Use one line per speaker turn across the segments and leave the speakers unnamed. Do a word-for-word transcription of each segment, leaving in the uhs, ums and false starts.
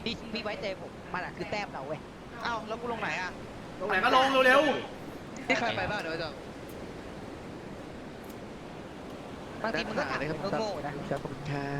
พี่พี่ไว้ใจผมมันอ่ะคือแต้มเราเว้ย
เอ้าแล้วกูลงไหนอ่ะ
ตรงไหนก็ลงเร็ว
นี่ใครไปบ้างเดี๋ยวจะ
บางทีมันก็ถามเป็นโง่ๆนะ
ครับขอบคุณครับ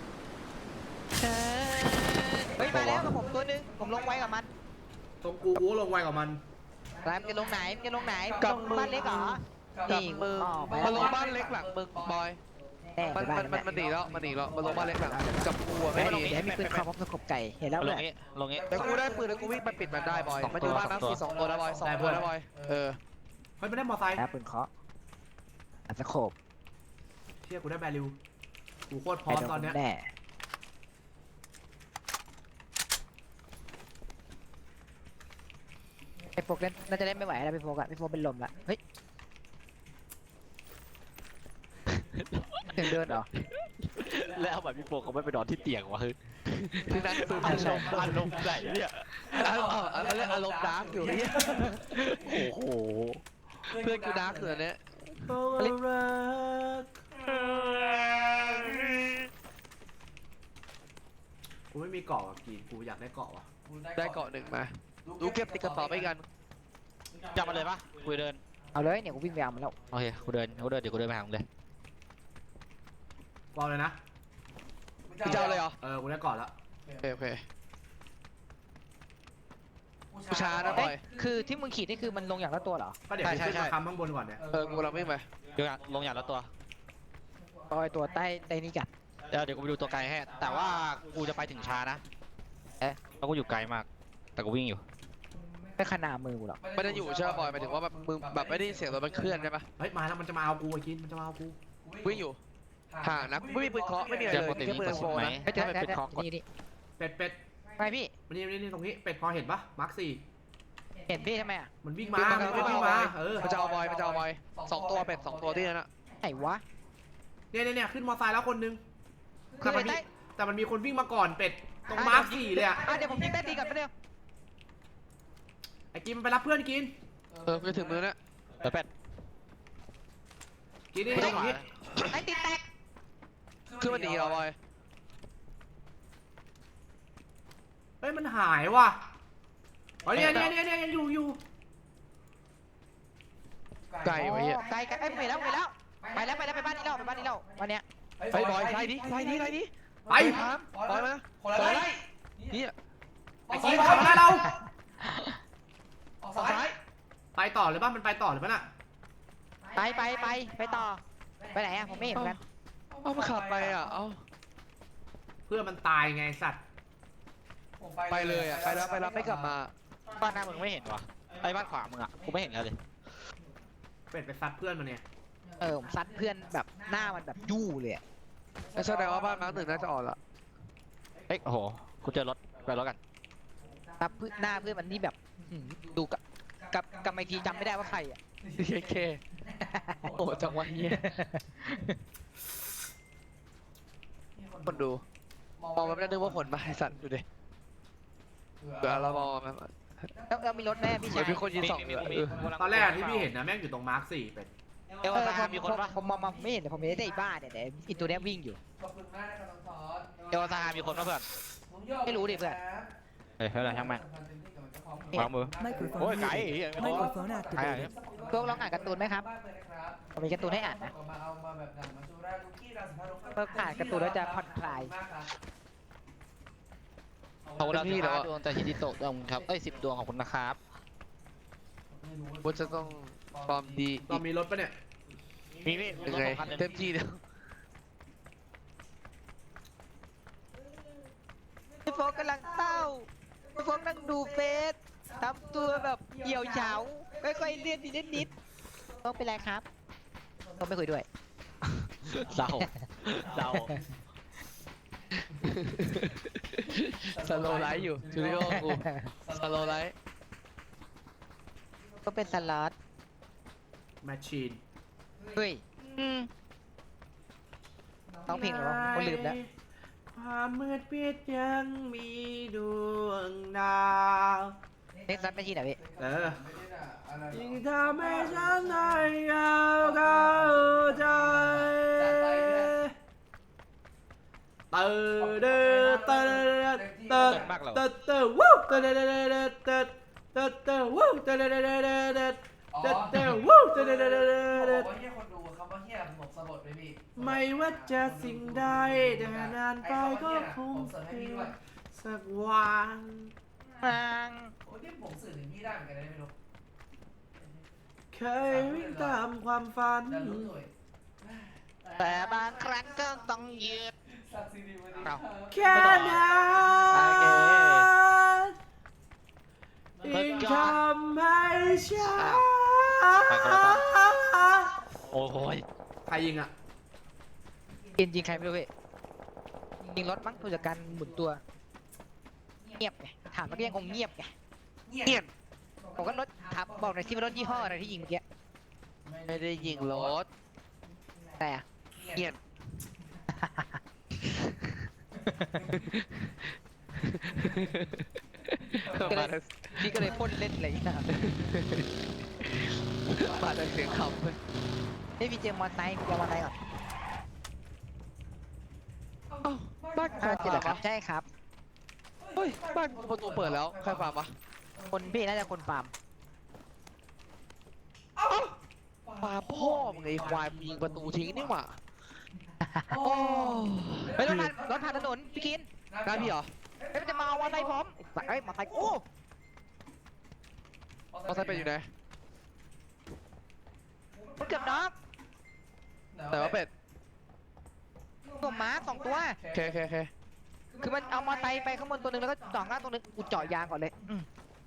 เฮ้ยมาแล้วกับผมตัวนึงผมลงไว้กับมัน
ๆตรงกูกูก็ลงไวกว่ามัน
รายมันจะลงไหนมันจะลงไหน
กับมือ
บ้านเล็กเหรอ
กับ
นี่
มือ
ออกไป
มาลง
แล้ว
บ้านเล็กหลังมึงบอย
แน่
มัน
ไปบ้า
มัน นมันมันหนีแล้วมันหนีแล้วมันลงบ้านเล็กหลังกับกูอะ
ไม่
ไม่
ดี
ดี
เดี๋ยวให้มีปืนคอพร้อมสกบไก่เห็นแล้ว
ล
เล
ง
ย
นี้ลงนี้
แต่กูได้ปืนแล้วกูวิ่งไปปิดมันได้บอย
สองตัว
มันอยู่บ้านน้ำสี่สองตัวแล้วบอยสองตัวแล้วบอยเออ
เฮ้ยไม่ได้มอไซค์
แล้วปืนเคาะอัดสกบ
เชี่ยกูได้แบริวกูโคตรพร้อมตอนเนี้ย
แน่ไอ้โฟกเล่นน่าจะเล่นไม่ไหวแล้วพี่โฟกอะพี่โฟกเป็นลมละเฮ้ยถึงเดินเหรอ
แล้วแบบพี่โฟเขาไม่ไปนอนที่เตียงวะเฮ้ย
คือนั่งซูม
อารมณ์อารมณ์ไหนเนี่ย
อารมณ์อารมณ์อารมณ์ดาร์กอยู่เนี่ย
โอ้โห
เพื่อนกูดาร์กอยู่อันเนี้ย
กูไม่มีเกาะอ่ะกีนกูอยากได้เกาะว่ะ
ได้เกาะหนึ่งมาดูเก็บติดกระเป๋าไปกัน
จับมาเลยปะกูเดิน
เอาเลยเนี่ยกูวิ่งไปเอามันแล้ว
โอเคกูเดินกูเดินเดี๋ยวกูเดินไปหามึงเลย
บอลเลยนะ
มึงจะเอาเลยเหรอ
เออกูได้เกาะแล้ว
โอเคโอเคกูช้านะบอย
คือที่มึงขีดนี่คือมันลงอย่างละตัวเหรอ
ก็เดี๋ยว
ใช่
กูขึ้น
ใช่
มาค้ำข้างบนก่อนเนี่ย
เออกูเราไม่ไป
เดี๋ยวลงอย่างละตัว
ปล่อยตัวใต้ใต้นี่กัด
เดี๋ยวเดี๋ยวกูไปดูตัวไกลให้แต่ว่ากูจะไปถึงช้านะเอ๊ะแล้วกูอยู่ไกลมากแต่กูวิ่งอยู่
ไม่ขนาดมือกูหรอก
ไม่ได้อยู่ใช่ป่ะบอยหมายถึงว่าแบบมึงแบบไม่ได้ยินเสียงรถมันเคลื่อนใช่ปะ
เฮ้ยมาแล้วมันจะมาเอากูไอ้กินมันจะมาเอากู
วิ่งอยู่ห่างนะไม่มีปืนเคาะไม่มีอะไร
เจอ
เลย
ปกติ
แค่
มี
ปื
ก
น
ระ
โฟ
สุนไหม
นะ
เฮ้ยเจอ
ถ้า
เจอ
เป็น
เจอ
คอกด
นี่นี่
เป็ดเป็ด
ไปพี่
มันนี่นี่ตรงนี้เป็ดพอเห็นปะมาร์คสี่
เห็นพี่ทำไมอ่ะ
มันวิ่งมามันวิ่งมาเออ
มันจะเอาบอยมันจะเอาบอยสองตัวเป็ดสองตัวที่นั่นอะ
ไหนวะ
เนี่ยเนี่ยเนี่ยขึ้นมอไซค์แล้วคนนึง
คื
แต่
อ
มันมี
ใต้
แต่มันมีคนวิ่งมาก่อนเป็ดตรงมาร์คสี่เลยอ่ะ
อ่ะเดี๋ยวผมยิงใต้ตีก่อนไปเร็ว
ไอ้กินมันไปรับเพื่อนกิน
เออไปถึงมือแล้ว
เดี๋ยวเป็ด
กินนี่
ไม่
ต
ต้
ร
อง
ง
ห
นี้
ใต้ตีแตก
คือมันหนีเหรอบอย
เฮ้ยมันหายว่ะอ๋อเนี่ยเนี่ยเนี่ยเนี่ยยังอยู่อยู่
ไก่ไว้เหี้ย
อ๋อไกลไกลเอ้ยไปแล้วไปแล้วไปแล้วไปแล้วไปบ้านนี้แล้วไปบ้านนี้แล้ววันเนี้ย
ไอ้บอยไล่ดิไล่ดิไล่ดิ
ไป
ครับบอยมาบอยไล่นี่
ไอ้กินขับมาได้เราไปต่อเลยป่ะมันไปต่อเลยป่ะน่ะ
ไปไปไปไปต่อไปไหนอ่ะผมไม่เห็นเหมือนกัน
เอามาขับไปอ่ะเอา
เพื่อนมันตายไงสัตว์
ไปเลยอ่ะไปแล้วไปแล้วไม่กลับมา
บ้านหน้ามึงไม่เห็นวะไอ้บ้านขวามึงอ่ะกูไม่เห็นเลย
เป็ดไปซัดเพื่อนมันเนี่ย
เออผมซัดเพื่อนแบบหน้ามันแบบยู่เลยอะ
แสดงว่าบ้านมาร์คหนึ่งน่าจะอ่อนละ
เฮ้ยโอ้โหกูเจอรถไปรถกัน
ซัดเพื่อนหน้าเพื่อนมันนี่แบบหืมดูกับกับกับไมทีจำไม่ได้ว่าใครอ่ะ
เคเคโอ้จังหวะเนี้ยคนดูมองมันไม่ได้นึกว่าผลมาไอ้สัตว์ดูดิเดี๋ยวเรามองมัน
แล้วแล้วมีรถแม่พี่
เหมื
ชา
อย นมีคนยิงสองเลยเออ
ตอนแรกที่พี่เห็นนะแม่งอยู่ตรงมาร์คสี่เป็ด
เอล
เออ
ซา
ผม
มีคนปะ
ผมมองมาไม่เห็นแต่ผมเห็นแต่ไอ้บ้าเนี่ยแต่อีตัวเนี้ยวิ่งอยู่
เอลซามีคนปะเพื่อน
ไม่รู้ดิเพื่อน
เฮ้ยเฮ้ยช่างแม่ง
เนี่ยว
างมือโอ้ยไก่เหี้ยไม่พอ
Microphone
ไก่
activated.
พวกลองอ่านการ์ตูนไหมครับผมมีการ์ตูนให้อ่านนะเพิ่มอ่านการ์ตูนแล้วจะผ่อนคลาย
เขาเราสิบห้าดวงแต่ฮิจิโตะดวงครับเอ้ยสิบดวงของคุณนะครับ
บนจะต้องความดี
ตอนมีรถปะเนี่ย
มีพี่
ยังไงเต็มที่เดียว
พี่โฟกกำลังเศร้าพี่โฟกนั่งดูเฟซทำตัวแบบเหี่ยวเฉาค่อยๆเลียนทีนิดนิดโฟกเป็นไรครับโฟกไม่คุยด้วย
เศร้าเศร้า
สโลไลท์อยู่จูดิโอกูสโลไลท์
ก็เป็นสล็อต
แมชชีน
เฮ้ยต้องเพลงเหรอวะผมลืมแล้ว
ความมืดปิดยังมีดวงดาว
เน็กซัสไม่ใช่ไหนพี่
เออยิ่งทำให้ฉันได้เข้าเข้าใจเตอเดอเตอเตอ
เกิดมากเหรอ
เตอเตอวู้เตอเดเดเดเดเตอเตอเตอวู้เตอเดเดเดเดเดเตอเตอวู้เตอเดเดเดเดเด
บอกว่าเฮียคนดูคำว่าเฮียผมสะบัดเลยพี่
ไม่ว่าจะสิ่งใดแต่นานไปก็คง
ผมเสิร์ฟให้พี่ด้วย
สักวัน
นาง
โอ้ยนี่ผมสื่อถึงพี่ได้เหมือนกันนะไม่รู้
เคยวิ่งตามความฝัน
แต่รู้ตัว
แต่บางครั้งก็ต้องยืด
สักซีดีวันนี้
เอา
แค่นั้น
โอเค
ยิ่งทำให้ฉัน
ไปคนละตอน โอ้ย
ใครยิงอ่ะ
กินจริงใครไม่รู้เว้ยยิงรถมั้งผู้จัดการหมุนตัว เงียบไงถามเมื่อกี้ยังคงเงียบไง
เงียบ
เงียบผมก็รถถามบอกหน่อยที่เป็นรถยี่ห้ออะไรที่ยิงเมื่อกี้
ไม่ได้ยิงรถ
แต่อะ
เงียบมาแต่
พี่ก็เลยพ่นเล่นอะไรอย่างเงี้ย
มาแต่เสียงขับ
เฮ้ยพี่เจอมอเตอร์ไซค์พี่เจอมอเตอร์ไซค์ก่อน
อ้าวบ้านใคร
อ่าเจอ
ฟา
แล้
ร์
ว
ม
ครับ
วะ
ใช่ครับ
เฮ้ยบ้านประตูเปิดแล้วใครฟาร์มวะ
คนพี่น่าจะคนฟาร์ม
ฟาร์มพ่อมึงไอ้ควายมึงยิงประตูทิ้งนี่หว่าโอ้
เฮ้ยรถผ่านรถผ่านถนนพี่กิน
กล้าพี่เหรอ
เฮ้ยมันจะมาเอามอเตอร์ไซค์ผมเฮ้ยมอเตอร์ไซค์กู
มอเตอร์ไซค์เป็นอยู่ไหน
มันเกือบน็อก
แต่ว่าเป็ด
ตัวหมาสองตัว
โอเคโอเคโอเค
คือมันเอามอเตอร์ไซค์ไปข้างบนตัวหนึงแล้วก็จ่อหน้าตัวหนึงกูเจาะยางก่อนเลยอืม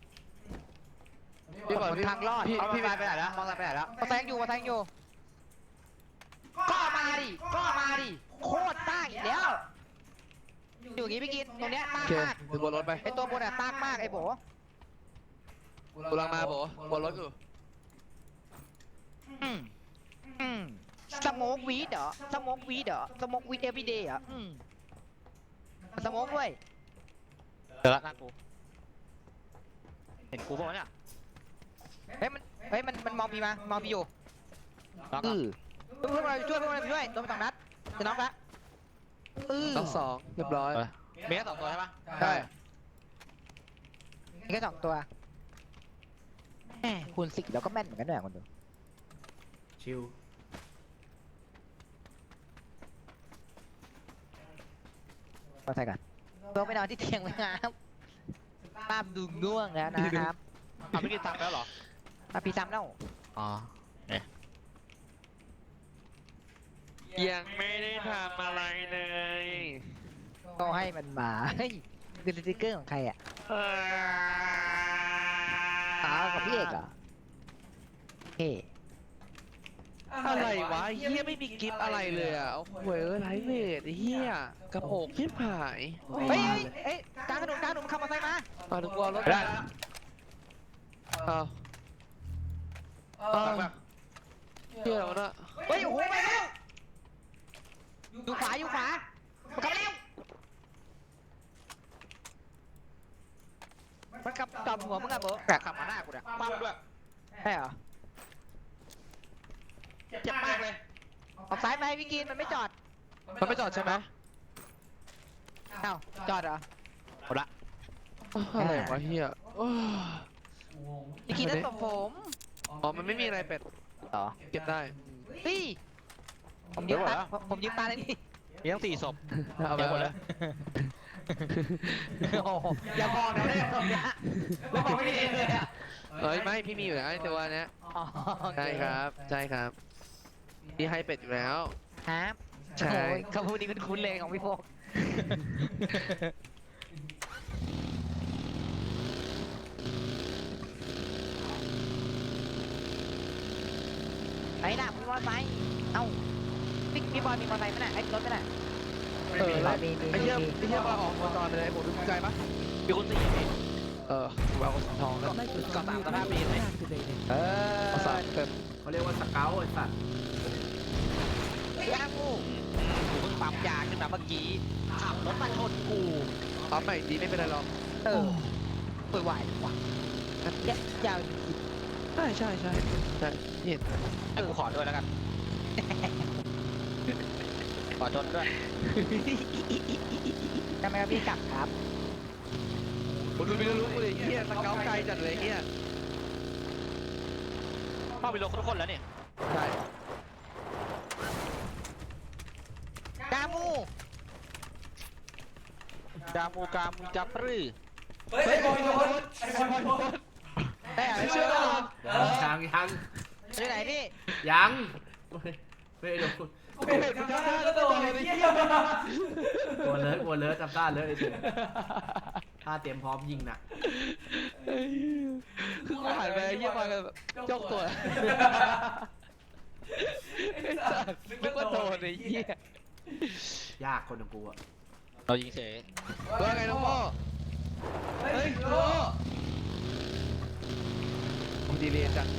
พี่ก่อนพี่
ทางรอด
พี่
เอามอ
พี่
เตอร์ไซค์ไปไหนแล้วมอเตอร์ไซค์ไปไหนแล้วมอเตอร์ไซค์ยังอยู่มอเตอร์ไซค์ยังอยู่ก็มาดิก็มาดิโคตรต้ากอีกแล้วอยู่อย่างงี้พี่กินตรงเนี้ยต้า
โอก เค
มาก
ถึงบนรถไป
ไอตัวบนอะต้ากมากไอโบ
กูลังมาโบบนรถอยู่
อืมอืมสโมกวีดเหรอสโมกวีดเหรอสโมกวีดเอฟวีเดย์เหรออืมสโมกด้วย
เจอละหน้ากู เห็นกูป่ะเนี่ย
เฮ้ยมันเฮ้ยมันมันมองพี่มามองพี่อยู่
น็อก
อื
อ่ะ
อเพื่อนมาช่วยเพื่อนมาช่วยโดนไปสองนัดจะน็อกละอือ
น็อกสองเรียบร้อย
มีแค่สองตัวใช่ปะ
ใช่
มีแค่สองตัวแหมคูณสิบแล้วก็แม่นเหมือนกันด้วยคนดู
ชิว
มาใส่กันลงไปนอนที่เตียงเลยครับภาพดูง่วงแล้วนะครับ
เอาไม่กินตังค์แล้วเหรอ
มาพี่ซ้ำแล้ว
อ๋อ
ยังไม่ได้ทำอะไรเลย
ก็ให้มันมาเฮ้ยดูสติ๊กเกอร์ของใครอ่ะอ๋อของพี่เอกเหรอเฮ้
อะไรวะเฮียไม่มีกิฟต์อะไรเลยอ่ะโอ้โหเอ้ยไลฟ์เวทไอ้เฮียกระโปงชิบหาย
เฮ้ยเฮ้ยเฮ้ยกลางถนนกลางถนนขับมอเตอร์ไซค์มา
มาถึงกลัวรถ
ได้
อ้าว
เอ
อ้า
อ
วเฮียแล้วนะ
เฮ้ยโอ้โหไปแล้วอยู่ขวาอยู่ขวามันกลับมาแล้วมันกลับกลับหัวมึงอะโบ
แต่ขับมาหน้ากูเนี่ยปั้มด้วย
ใช่เหรอ
เจ็บมากเลย
ออกซ้ายไปพี่กินมันไม่จอด
มันไม่จอดใช่ไหม
เอ้าจอดเหรอ
หมดละ
อะไรวะเฮียโอ้ย
พี่กินนั่นตบผม
อ๋อมันไม่มีอะไรเป็ด
ต่อ
เก็บได้
เฮ้ยผมยืมตาผมผมยืมตาเลยนี่
มีทั้งสี่ศพ
เอาไป
เดี๋ยวหมดเลย
โอ้โหอย่าบอกนะเนี่ยตรงเนี้ยแล้วบอกไม่มีเลยอะ
เอ้ยไม่พี่มีอยู่แล้วไอ้ตัวเนี้ย
อ๋อโอเ
ใช่ครับใช่ครับพี่ให้เป็ดอยู่แล้ว
ครับ
ใช่
โอ้ยคำพูดนี้คุ้นๆเลยของพี่โฟกไหนล่ะมีมอเตอร์ไซค์เอ้าพี่พี่บอยมีมอเตอร์ไซค์ไหมน่ะไอ้รถไหมน่ะ
เออแล้ว
มีมี
ไอ้
มี
เหี้ย
มี
ไอ้เหี้ยมาออกมาตอนเลยผมดูใจปะ
มีคนสี่พี่
เออกูเอาสีทองแล้ว
ก็สามสภาพปีเลย
เออ
เอาสามเต็ม
เขาเรียกว่าสเกลไอ้สัตว์
ยากู
กูเพิ่งปั๊มยาขึ้นมาเมื่อกี้ขับรถมาชนกู
ปั๊มใหม่ดีไม่เป็นไรหรอก
เออป่วยไหวว่ะยะยาว
ใช่ใช่ใช่ใช่เห็น
ให้กูขอด้วยแล้วกัน
อ
อชนด้วย
ทำไมครับพี่กลับครับ
ผมดูไม่รู้เลยเฮียสเกลไกลจัดเลยเฮีย
เข้าไปลงทุกคนแล้วนี่
ใช่
กามู
กามูกามูจับปรือ
เฮ้ยไอ้บอยโดนไอ้บอยโดน
ได้อะไร
ไอ้บ
เชื่
อ
อย
โดน
ยังยัง
อยู่ไหนพี่
ยังไม่ไม่โดน
กูเห็นทำท่าก็โดนไอ้เหี้ย
กลัวเลิศกลัวเลิศจำได้เลิศไอ้เหี้ยถ้าเตรียมพร้อมยิงนะ
คือกูหันไปเฮียมาแบบจกตัวไอ้สัสนึกว่าโดนไอ้เฮีย
ยากคนของกูอะ
เรายิงเฉย
ว่าไงน้องพ่อ
เฮ้
เฮ้
ย
ย
โด
โอ้ผมดีเลยจัง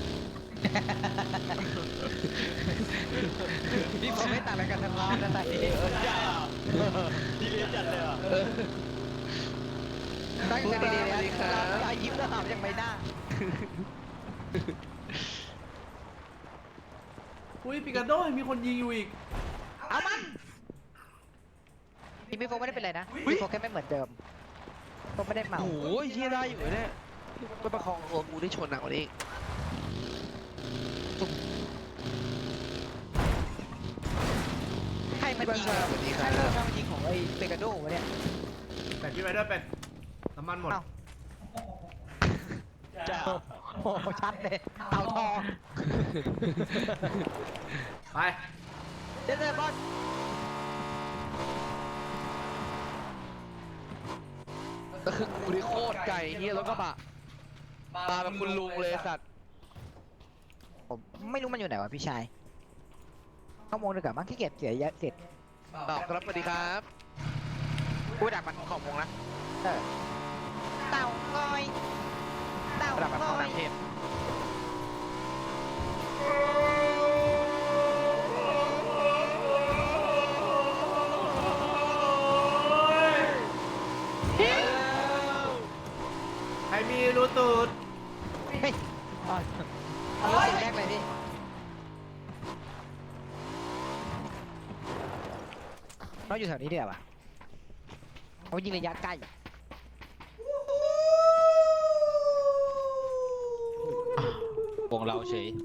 พี่ผมไม่ต่างอะไรกันทั้งร้านนะแต่นี่
ดีเลยจัดเลยอ่ะ
ตั้งใจดีๆนะรอยยิ้มแล้วหอมจากใบหน้า
อุ้ยปิกาโดมีคนยิงอยู่อีก
เอามันพี่พี่โฟไม่ได้เป็นไรนะพี่โฟแค่ไม่เหมือนเดิมโฟไม่ได้เมา
โอ้ยเฮียได้อยู่เนี่ยไปประคองตัวกูได้ชนหนักกว่านี้
ใครมันยิง
สวัสดีค
ใคร
รับ
มันยิงของไอ้เปกาโดวะเนี่ย
เป็ดพี่ไปด้วยเป็ดน้ำมันหมด
เอ้า
จ้า
โอ้โหชัดเลยเต่าทอง
ไป
เดี๋ยวๆบอล
ก็คือกูนี่โคตรไก่เฮียรถกระบะมาแบบคุณลุงเลยสัตว์
ผมไม่รู้มันอยู่ไหนวะพี่ชายเข้าโมงดีกว่ามั้งขี้เกียจเสียเยอะเสร็จ
ตอบครับสวัสดีครับ
กูดักมันขอบวงนะ
เออเต่างอยเต่า
ดักมัน
ง
เข้า
อย
น้ำเทพ
ใครมีรูตูด
เฮ้ยอ๋อเอารถสิ่งแรกเลยดิเราอยู่แถวนี้เดียวอ่ะเขายิงระยะใกล้
วงเราเฉย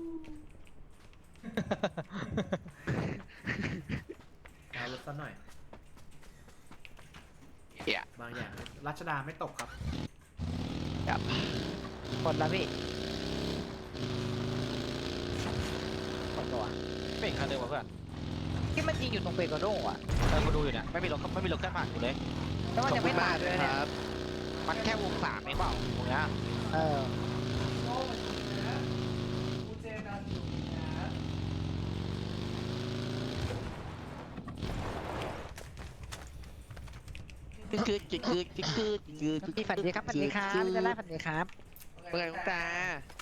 เอารถสักหน่อย
เฮีย
บางอย่างรัชดาไม่ตกครับ
ครับ
หมดแล้วพี่หมดตัว
ไม่เห็นคันเดิมวะเพื่อน
ที่มันยิงอยู่ตรงเปกาโดอ่ะ
เออกูดูอยู่เนี่ยไม่มีรถไม่มีรถแค่ผ่านอยู่เลย
แล้วมัน
ขอบ
ยัง
คุ
ไม่
ณ
ตาม
าย ก
เล
ด้วย ย
เนี่ย
ครับ
มันแค่วงสามเองเปล่าวงเนี้ย
เออ
กูเจอกันอยู่นะ
คือคือคือคือคือคือคือ
พี่ฝันดีครับฝันดีครับจะได้ฝันดีครับ
เมื่อไงคุณตา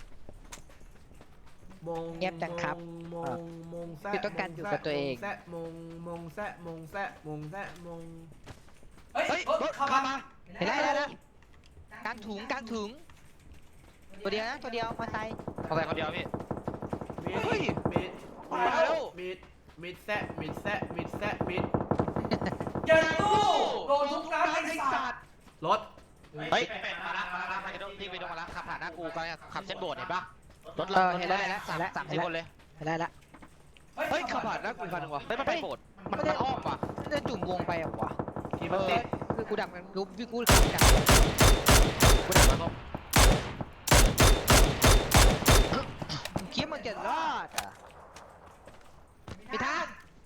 มง
เงียบจังครับ
มงมงแซะ
คือต้องการอยู่กับตัวเอง
มแซะมงมงแซะมงแซะมงแซะมง
เฮ้ย
เฮ้ย
รถ
รถ
เข้า
เข้า
มา
มา
เห็นแล้วเห็นแล้วกลางถุงกลางถุงตัวเดียวนะตัวเดียวมาใส่
มอเตอร์ไซค์คนเดียวพี่
มิด
เฮ้ย
มิด
มาแล้ว
มิดมิดแซะมิดแซะมิดแซะมิด
อย่าตู้โดนทุกนัดไอ้สัตว์
รถ
เฮ้ยเป็ดมาละมาละไปกระโดดที่ไปโดนมาละขับผ่านหน้ากูก็ขับเส้นโบสถ์เห็นปะรถ
เอ
เรา
อเห็นแล้วเห็นแล้ว
สาม
เห็นแล้ว
สามสี่คนเลย
เห็นแล้วเห็นแล้ว
เฮ้ยขับผ่านหน้ากูคันหนึงวะ
เฮ้ยมันไปโบสถ์มันมันอ้อมว่ะ
มันจะจุ่มวงไปเหรอวะ
ทีม
เอ
มัน
อ
ติด
คือกูดักมันกูพี่กูขับดัก
กูดักมันเขา
คิดมันจะรอดอ่ะพี่ท่าน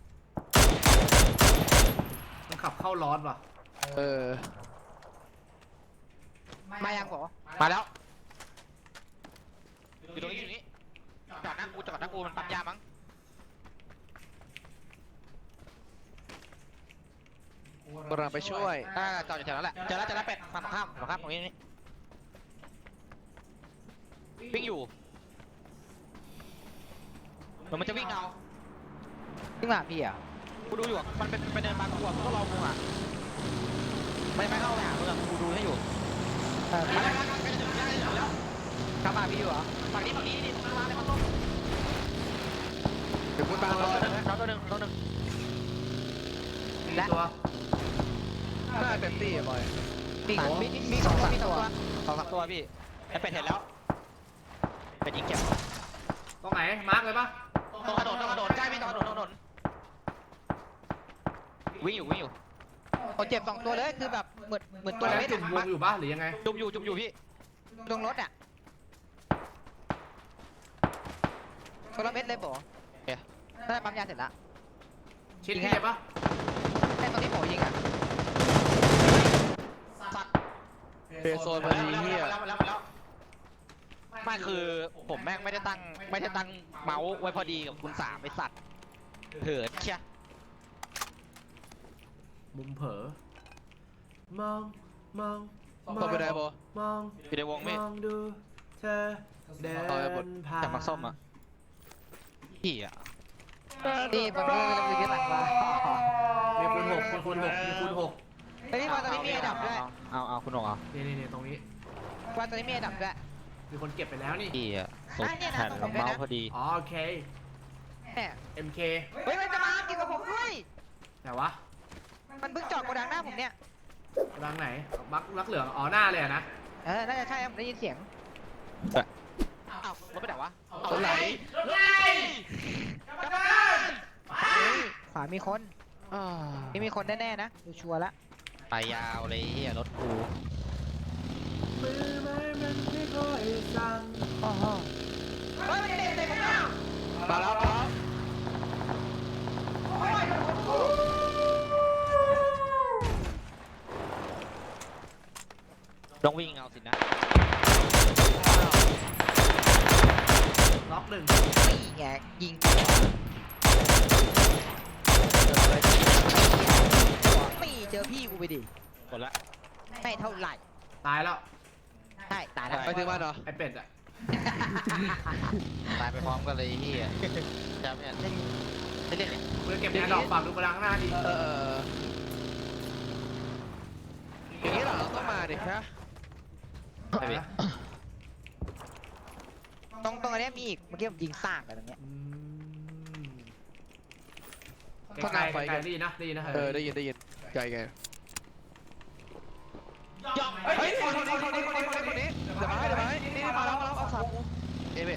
มันขับเข้าร้อนว่ะ
เออ
มายังเหรอ
มาแล้วอยู่ตรงนี้อยู่นี้จอดหน้ากูจอดหน้ากูมันปั๊มยามั้ง
กำลังไปช่วย
อ่าจอดอยู่แถวนั้นแหละเจอแล้วเจอแล้วเป็ดฝั่งตรงข้ามฝั่งตรงข้ามตรงนี้นี่วิ่งอยู่เหมือนมันจะวิ่งเอา
จริงป่ะพี่อ่ะ
กูดูอยู่อะมันเป็นเป็นเดินมากูอะกูก็รอกูอ่ะไม่ไม่เข้าไปหามึงอะกูดูให้อยู่
เออ
มาแล้วมาแล้วใกล้จะถึงใกล้จะถึงแล้ว
ขับมาพี่อยู่เหรอ
ฝั่งนี้ฝั่งนี้นี่ตรงกลางเลยมันต้น
เดี๋ยวคุณตา
ตัว
รอ
หนึ่งตัวหนึ่งตัวหนึ่ง
นะ
ตัวหนึ่ง
เดี๋ยวคุณตารอนะ
ตัวหนึ่ง
เดี๋ยวคุณตารอนะ
และ
ตัว
น่าเต็มที่อะบอย
มีมีมีสองตัวมีสองตัว
สองสามตัวพี่ไอ้เป็ดเห็นแล้วเป็ดยิงเก็บ
ตรงไหนมาร์กเลยปะ
ตรงกระโดดตรงกระโดดใกล้พี่ตรงกระโดดตรงกระโดดวิ่งอยู่วิ่งอยู่
โอ้เจ็บสองตัวเลยคือแบบเหมือนเหมือน
ตั
ตัว ว
นั้น
เม็ด
จุ่มวงอยู่ปะหรือยังไง
จุ่มอยู่จุ่มอยู่พี่
ลงรถอ่ะตัวละเม็ดเลยโบน่าจะปั๊มยาเสร็จละ
ชิดที่เจ็บปะ
แต่ตอนนี้โบยิงอ่ะ
สัตว์
เปโซนมาดีเฮีย
แล้วแล้วแล้วไม่คือผมแม่งไม่ได้ตั้งไม่ได้ตั้งเมาส์ไว้พอดีกับคุณสามไอสัตว์เหินเชีย
มุมเผลอมองมองม
ต
อบ ง
ไปไหนบอ
มอง
อยู่ในวง
ม
ไม่
องดูเธอเดินผ่าน
จากมักส้มอ่ะพี่อ่ะ
นี่มันก็เลยยึดหลังมา
มีคูณหกมีคูณหกมีคูณหก
เฮ้ยนี่มาตอนนี้มีไอ้ดับด้วย
เอาเอาคุณหงเอา
นี่นี่นี่ตรงนี้
มาตอนนี้มีไอ้ดับด้วย
มีคนเก็บไปแล้วนี่
พี่อ่ะสุด
อ่ะเนี่ยนะ
แผ่น
ตรงผมด้วย
เมา
นะ
ส์พอดี
อ๋อโอเค
แหม
เอ็มเค
เฮ้ยมันจะมากินกับผมด้วย
แต่วะ
มันเพิ่งจอดโกดังหน้าผมเนี่ย
รังไหนมักรักเหลืองอ๋อหน้าเลยอะนะ
เออ น่าจะใช่ครับผมได้ยินเสียง
อ้าวรถไปไหนวะ
รถไหล
ขวามีคน
อ่า
นี่มีคนแน่ๆนะดูชัวร์ละ
ไปยาวเลยเฮียรถกู
มือไม้มันไม่ค่อยสั่น
โอ้โหเฮ้ยมันเตะเตะผมแล้ว
มาแล้วมาแล้ว
ต้องวิ่งเอาสินะ
ล็อกหนึ่ง
นี่ไงยิงนี่เจอพี่กูไปดิ
หมดละ
ไม่เท่าไหร่
ตายแล้ว
ใช่ตายแล้ว
ไปถึงบ้านเหรอ
ไอเป็ดอะ
ตายไปพร้อมกันเลยเฮียจำเนี่ยเล่นเล่นเนี่ย
มือเก็บแอร์ดรอปฝากดูกระดังหน้าดิ
เอออย่างนี้เหรอต้องมาดิฮะ
ไปพี่
ตรงตรงอันเนี้ยมีอีกเมื่อกี้ผมยิงซากไปตรงเนี้ย
อืมไกลๆไกลๆได้ยินนะได้ยินนะ
เออได้ยินได้ยินไกลไง
ย่อง
เฮ้ยคนนี้คนนี้คนนี้คนนี้คนนี้เดี๋ยวมาให้เดี๋ยวมาให้นี่นี่มาแล้วมาแล้วเอาสามเอ๊ะเว้ย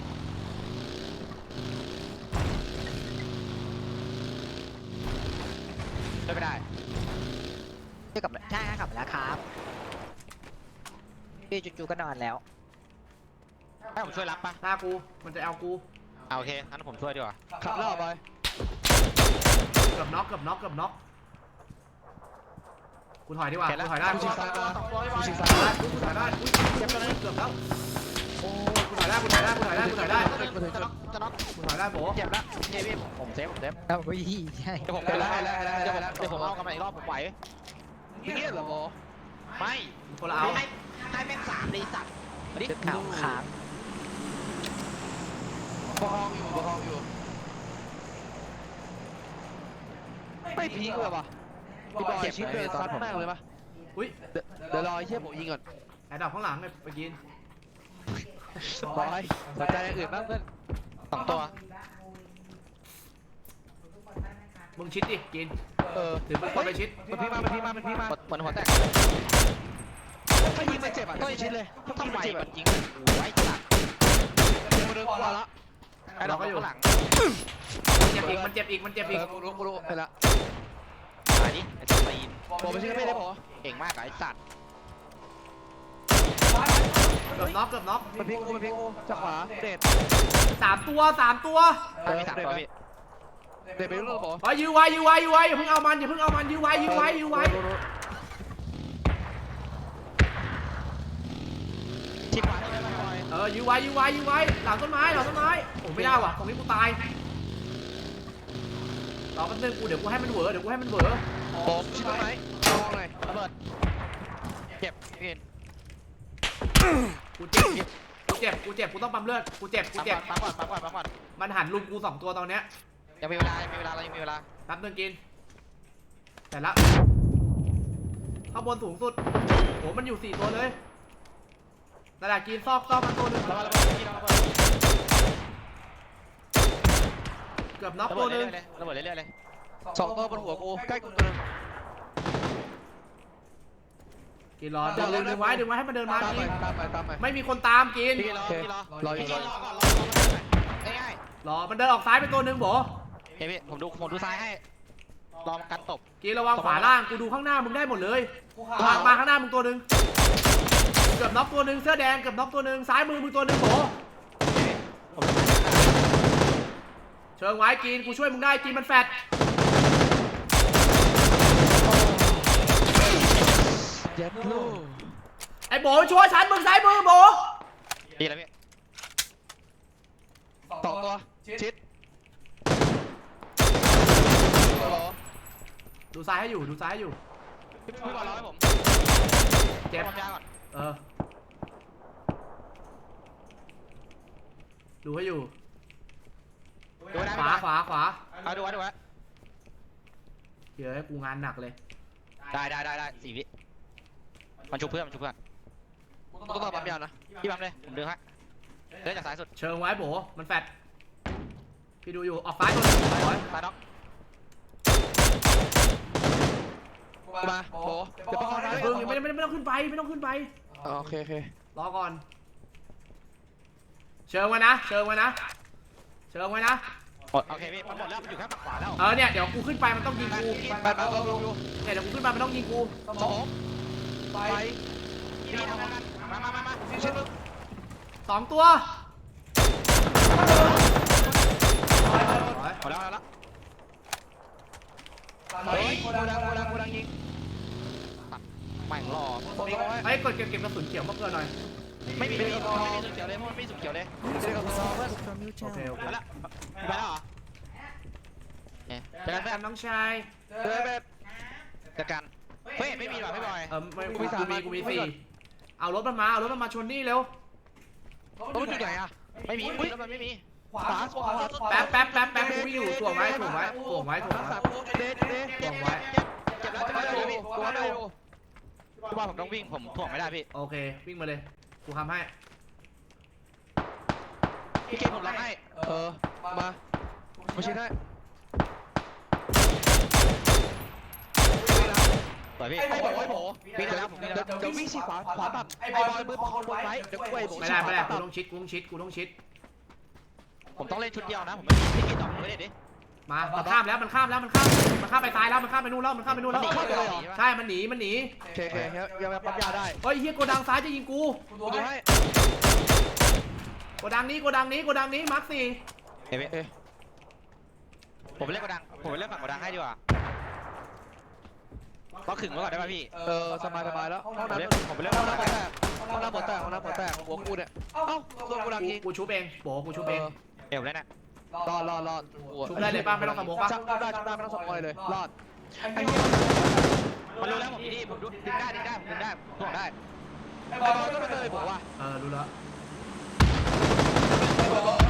ไม่ได้
ช่วยกลับใช่ครับกลับมาแล้วครับพี่จู่ๆก็นอนแล้ว
ให้ผมช่วยรับปะ
ตากูมันจะเอากู
เอาโอเคงั้นผมช่วยดีกว่า
ขับแล้วเหรอบอย
เกือบน็อกเกือบน็อกเกือบน็อกกูถอยดีกว่ากูถอยได้
กู
กู
ชิ
ถ
ง
อย
ซ้าย
ได้
มากูชิง
กู
ซ้ายมา
ถอยได้อุ้ยเจ็บเลยเกือบแล้วโอ้กูถอยได้กูถอยได้กูถอยได้กูถอยได้
จะน็อกจะน็อก
กูถอยได้โบ
เจ็บแล้วเฮ้ยพี่ผมผมเซฟผมเซฟ
เอาไปยี่ใช่
เดี๋ยวผม
เดี๋ยวได้ได้ได้
เดี๋ยว
ได้
ผมเดี๋ยวผมเอากลับมาอีกรอบผมไหว
อย่างนี้เหรอบอ
ไม่
คนละเอา
ให้ให้แม่งสามเลยสัตว์มาดิ
ชุดขาวค้าง
ประคองอยู่ประคองอยู่ไม่พีคเลยปะพี่บอยชิปเดินซัดมากเลยปะ
อุ้ย
เดี๋ยวรอไอ้เชี่ยผมยิงก่อน
แอร์ดรอปข้างหลังเลยไปกิน
บอยสนใจอย่างอื่นบ้างเพื่อน
สองตัว
มึงชิดดิกิน
เออ
ถือปืนคนไปชิด
มันพี่มามันพี่มามันพี่มา
เหมือนหัวแตก
ถ้ายิงมันเจ็บอ่ะต้องชิดเลยถ้ายิง
ทำไม
มันเจ็บ
มั
อ่ะ
นยิงไว้สัตว์
เดี๋ยวมาเดินกว่าละ
ไอ้ดอกข้างหลัง
เจ็บอีกมันเจ็บอีกมันเจ็บ
เอ
อีก
อกูรู้กูรู้ไปละ
มาดิไอ้ตัวตีน
บอกไปชิดก็ไม่ได้พอ
เก่งมากอะไอ้สัตว์
เกือบน็อกเกือบน็อก
มันพลิกกูมันพลิกกูจากขวาเด็ด
สามตัวสามตัว
เออ
มีสาม
เด็ด
ตัว
ไป
พี่
เด็ดไปรู้หรือเปล่า
อ๋อยื้อไว้ยื้อไว้ยื้อไว้อย่าเพิ่งเอามันอย่าเพิ่งเอามันยื้อไว้ยื้อไว้ยื้อไว้
ชิดขวาได้ไหมบอย
เออยื้อไว้ยื้อไว้ยื้อไว้หลังต้นไม้หลังต้นไม้โอ้ไม่ได้ว่ะตรงนี้กูตายรอแป๊บนึงกูเดี๋ยวกูให้มันเหวอเดี๋ยวกูให้มันเหวอ
ผมชิดต้นไม้ลองหน่อย
ระเบิดเจ็บพี่
กูเจ็บกูเจ็บกูเจ็บกูต้องปั๊มเลือดกูเจ็บกู
ปั๊ม
เจ็บ
ก่อนปั๊มก่อนปั๊มก่อนปั๊มก่อน
มันหันลุมกูสองตัวตอนเนี้ย
ยังมีเวลายังมีเวลาเรายังมีเวลา
แป๊บนึงกินแต่ละข้างบนสูงสุดโหมันอยู่สี่ตัวเลยนั่นแหละกินซอกซอกมันตัวหนึง
ระเบิดระเบิดพี่ระเบิด
เกือบน็อก
ระ
ตั
เบิ
ว
ด
หนึ
เรื่
ง
อยๆเลยระเบิดเรื่อยๆเลย
สองตัวบนหัวกูใกล้กูตัวนึง
กินรอดึงดึงดึงไว้ดึงไว้ให้มันเดินมา
ตามไป
กิน
ตามไปตามไป
ไม่มีคนตามกิน
พี่รอ
โอเค
พี่รอ
รออยู่
พี่รอก่อนรอก่อนง่าย
รอมันเดินออกซ้ายไปตัวหนึ่งโบ
ๆเฮ้ยพี่ผมดูผมดูซ้ายให้รอมันกันตบ
กินระวังขวาล่างกูดูข้างหน้ามึงได้หมดเลยมามาข้างหน้ามึงตัวหนึ่งเกือบน็อกตัวหนึ่งเสื้อแดงเกือบน็อกตัวหนึ่งซ้ายมือมึงตัวหนึ่งโบเชิงไว้กินกูช่วยมึงได้กินมันแฟด
เย็ดลูก
ไอ้โบช่วยฉันมึงซ้ายมือโบ
ดีแล้วพี่
สองตัวชิด
ดูซ้ายให้อยู่ดูซ้ายให้อยู่
พี่บอลรอให้ผม
เจ็บ
ความยาวก่อน
เออดูให้อยู่
ดูไว้นะ
ขวาขวาขวา
เอาดูไว้ดูไว้
เดี๋ยวให้กูงานหนักเลย
ได้ได้ได้ได้สี่วิมันชุบเพื่อนมันชุบเพื่อน
ต้องต่อปั๊มยานะ
พี่บัมเลยผมดึงฮะเดินจากซ้ายสุด
เชิงไว้โบมันแฟดพี่ดูอยู่ออกซ้ายตัวหนึ่ง
ซ้าย
ไว้
ซ้ายน็อก
มาโบเดี๋ยวประคอง
อย่า
นะ
เพิ่งยังไม่ไม่ไม่ต้องขึ้นไปไม่ต้องขึ้นไป
โอเคโอเค
รอก่อน เชิงไว้นะเชิงไว้นะเชิงไว้นะ
หมดโอเคพี่มันหมดแล้วมันอยู่แค่ฝั่งขวาแล้ว
เออเนี่ยเดี๋ยวกูขึ้นไปมันต้องยิงกู
ไปไปลงลงลง
เนี่ยเดี๋ยวกูขึ้นไปมันต้องยิงกู
สองไป
พี่ทำงานมามามามา
ชิดมึง
สองตัว
หมดแล้วหมดแล้ว
เฮ้ยกูดังกูดังกูดังยิง
ไม่รอ
ผมรอไว้
ไอ้ยกดเก็บเก็บกระสุนเขียวมาเกินหน่อย
ไม่มีไม่มีไม่มีสุดเขียวเลยเพราะมันไม่สุดเขียวเลย
เดี๋ยวเราเพื่อน
โอเคโอเค
ไปแล้วไปแล้วเหรอเนี่ยเจอกัน
แบ
เพื่อน
บน้องชาย
เฮ้ยแบบ
เจอกันเฮ้ยไม่มีหรอพี่บอย
เออไม่
กู
กู
มีสาม
มีกูมี
กูมี
สี่
ก่อน
เอารถมันมาเอารถมันมาชนนี่เร็ว
ต้องจุดไหนอ่ะ
ไม่มีอุ้ยมันไม่มี
ขวาขวาขวา
แป๊บแป๊บแป๊บแป๊บกูวิ่งอยู่ถ่วงไว้ถ่วงไว้ถ่วงไว้ถ่วง
สาม
ไว้
เดทเดท
ถ่วงไว้
เจ็บแล้วเจ็บแล้วเจ็บแล้วพี่
ตัวได้อยู่
พี่บอยผมต้องวิ่งผมถ่วงไม่ได้พี่
โอเควิ่งมาเลยกูทำให้
พี่เกมผมล็อกให้
เออมามาชิดให้
สวยพี่
ไอ้บอกไอ้โบ
วิ่งแล้วผมวิ่ง
เดี๋
แล้
ยว วเดี๋ยววิ่งฉีกขวาขวาตับไอ้บอยมือประคองบนไว้เดี๋ยวกูไอ้โบ
ไม่ได้ไม่ได้กูต้องชิดกูต้องชิดกูต้องชิด
ผมต้องเล่นชุดเดียวนะผมไม่ไม่กินดอกไม่ได้ดิ
มามันข้ามแล้วมันข้ามแล้วมันข้ามมันข้ามไปซ้ายแล้วมันข้ามไปนู่นแล้วมันข้ามไปนู่นแล้ว
มันหนี
ใช่มันหนีมันหนี
โอเคโอเคยังปั๊มยาได้
เฮ้ยเฮียโกดังซ้ายจะยิงกู
กูดูให้
โกดังนี้โกดังนี้โกดังนี้มาร์คสี่
เฮ้ยพี่ผมไปเล่นกระดังผมไปเล่นฝั่งกระดังให้ดีกว่าก็ขึงไว้ก่อนได้ป่ะพี่
เออสบายสบายแล้วห้อง
ผม
น้ำ
เล่นผมไปเล่น
ห้
ฝั่
อง
งกระ
น้ำ
ดัง
หัวแตกห้องน้ำหัวแตกห้องน้ำหัวแตกหัวกูเนี่ยเอ้าโดนกูดัง
กู
ยิง
กูชุบเองโบกูชุบเอง
เดี๋ยวเล่นน่ะ
รอดรอดรอด
ชุบได้เลยป่ะไม่ต้องสมองป่ะ
จับได้จับได้ไม่ต้องสมองเลยรอด
ไอ้เหี้ย
มันรู้แล้วผมดีผมดึงได้ดึงได้ผมดึงได้ถ่วงได้
ไอ้
ไอ้
บบ อ
อ
ล
ล
ก็
ก็
ไม่
ไม่
เค
เค
ย
ย
บบ อ
อก ก
ว่า
ว่า
เออรู้แล้ว
ไอ้บอล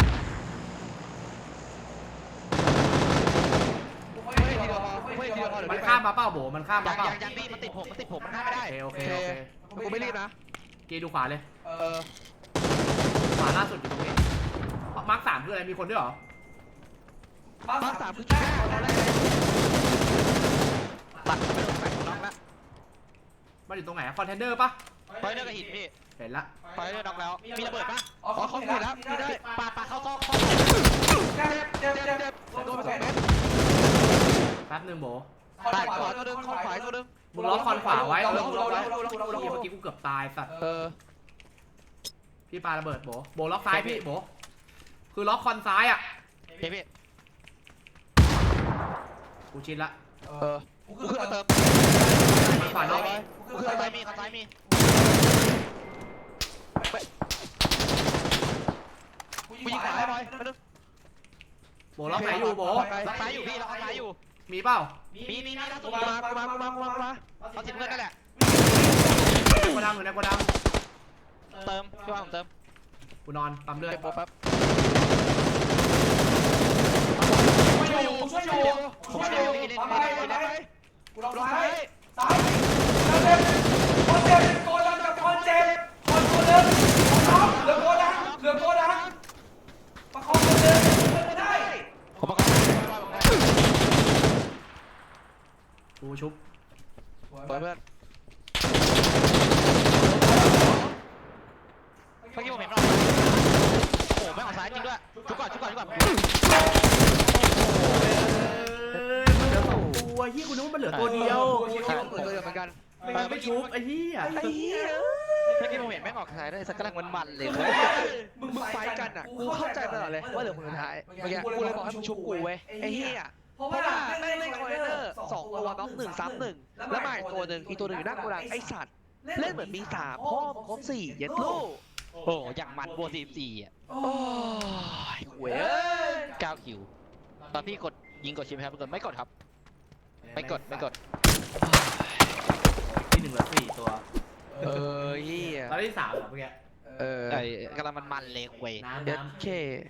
ไม่ทีเดียวพอไม่ทีเดียวพอเดี๋ยว
มัน
ไป
ข้ามมาเปล่าโบมันข้าม
ยั
มาง เปล่า
ยังยังพี่มันติดผมมันติดผมมันข้ามไม่ได้
โอเค
โอ
โอ
เค
เคโอเค
กูไม่รีบนะ
กีดูขวาเลย
เออ
ขวาล่าสุดอยู่ตรงนี้มาร์คสามคืออะไรมีคนด้วยเหรอ
มา
มา
สา
สาม ม
คื
คือ อ
แค่
แค่
ตอนแรก
ตัดไปโดนแฝงน็อกแล้ว
มันอยู่ตรงไหนคอนเทนเนอร์ปะ
ไฟเลือดกระหินพี่
เห็นละ
ไฟเลือดน็อกแล้วมีระเบิดปะ
อ๋อ
อ๋อ
เขา
เขา
เห็
เห็
น
น
แล้
แล้ว วไม่ได้
ปาปาเข้าซอกเข้า
เจ็บเจ็บ
เจ็บ
เจ็บ
เจ็บโดนไปสองเมตร
แป๊บนึงโบ
ขวาตัวนึงขวาตัวนึง
มึงล็อกคอนขวาไว้เออ
เรา
มึง
เรา
ล็อก
เรา
ไว้
เราเราเรา
เมื่อกี้กูเกือบตายสัตว์
เออ
พี่ปาระเบิดโบโบล็อกซ้ายพี่โบคือล็อกคอนซ้ายอ่ะ
พี่พี่
กูชินละ
เออกูขึ้นมาเติม
ขวาน็อก
กูขึ้น
ข้า
มาเติ
ซ้าย
ม
มีข้าซ้ายมี
กูยิงขวาให้บอยมาดู
โบล็อกไหนอยู่โบ
ล็อกซ้ายอยู่พี่ล็อกซ้ายอยู่
มีเปล่า
มีมีมีล่าสุด
มากูมากูมากูมากูมา
เอาสิบเงินนั่นแหละ
โกดังอยู่ในโกดัง
เติมพี่ว่าผมเติม
กูนอนปั๊มเลือด
เก็บโบแป๊บ
ช่วยอยู่ช่วยอยู่ผมช่วยอยู่ทำไมทำไมกูลองซ้ายซ้ายเจ็บคนเจ็บโกดังกับคนเจ็บคนคนเดิมเหลือโกดังเหลือโกดังประคองคนเดิมไม่ได้
ผมประกอบ
กูชุบ
เปิดเพื่อน
กูคิว
ใช่ตัวเดียวเหมือนกัน
มันไม่ชุบไอ้เหี้ย
ไอ้เหี้ย
เมื่อกี้ผมเห็นแม่งออกซ้ายด้วยสักกำลังมันๆเลย
มึงไฟกันอ่ะกูเข้าใจตลอดเลยว่าเหลือคนสุดท้ายเมื่อกี้กูเลยบอกให้มึงชุบกูเว้ยไอ้เหี้ย
เพราะ
เพ
ว่า
ราะว่าแม่งเล่นคอร์เนอร์สองตัวน็อกหนึ่งซ้ำหนึ่งแล้วมาอีกตัวหนึ่งอีกตัวหนึ่งอยู่หน้าโกดังไอ้สัตว์เล่นเหมือนมีสามพ่อมครบสี่เย็ดลูก
โอ้โหอย่างมันโบสี่สี่อ่ะ
โอ้ยเว้ย
เก้าคิวตอนพี่กดยิงกดชิปครับกดไม่กดครับ ไม่กดไม่กด
ที่หนึ่งเหลือสี่ตัว
เออเหี้ย
ตอนที่สามเหรอเมื่อกี้
เออ
ไอ้กำลังมันๆเลยเว้ย
น้ำ
เย็ด
น้ำ
เค